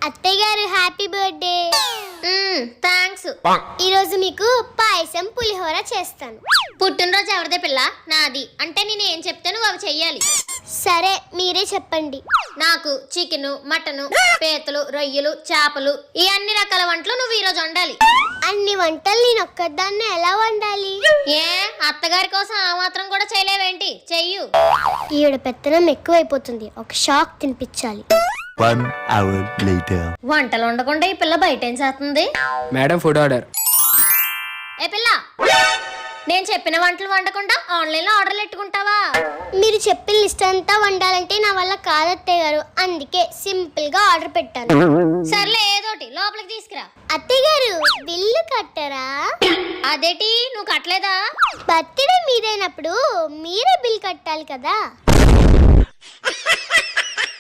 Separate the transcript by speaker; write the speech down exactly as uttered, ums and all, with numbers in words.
Speaker 1: అత్తయ్య గారు happy birthday.
Speaker 2: Thanks.
Speaker 1: ఈ రోజు మీకు పాయసం పులిహోర చేస్తాను.
Speaker 2: పుట్టినరోజు ఎవరిదే పిల్ల? నాది. అంటే నేను ఏం చెప్తే నువ్వు అవి చెయ్యాలి.
Speaker 1: సరే మీరే చెప్పండి.
Speaker 2: నాకు చికెన్, మటన్, పీతలు, రొయ్యలు, చేపలు ఈ అన్ని రకాల వంటలు నువ్వు ఈ రోజు వండాలి.
Speaker 1: అన్ని వంటలు నేను ఒక్కదాన్ని ఎలా వండాలి?
Speaker 2: ఏ అత్తగారి కోసం ఆ మాత్రం కూడా చేయలేవేంటి? చెయ్యు.
Speaker 1: ఈవిడ పెత్తనం ఎక్కువైపోతుంది, ఒక షాక్ తినిపించాలి.
Speaker 3: One hour later.
Speaker 2: వంటలు వండకుండా ఈ పిల్ల బయట ఏం చేస్తుంది?
Speaker 4: Madam food order.
Speaker 2: ఏ పిల్ల, నేను చెప్పిన వంటలు వండకుండా ఆన్లైన్ లో ఆర్డర్లు పెట్టుకుంటావా?
Speaker 1: మీరు చెప్పిన లిస్ట్ అంతా వండాలంటే నా వల్ల కాదు అత్తయ్య గారు, అందుకే సింపుల్ గా ఆర్డర్ పెట్టాను.
Speaker 2: సర్లే ఏదోటి లోపలికి తీసుకురా.
Speaker 1: అత్తయ్య గారు బిల్లు కట్టరా?
Speaker 2: అదేటి నువ్వు కట్టలేదా?
Speaker 1: బర్త్డే మీదైనప్పుడు మీరే బిల్ కట్టాలి కదా.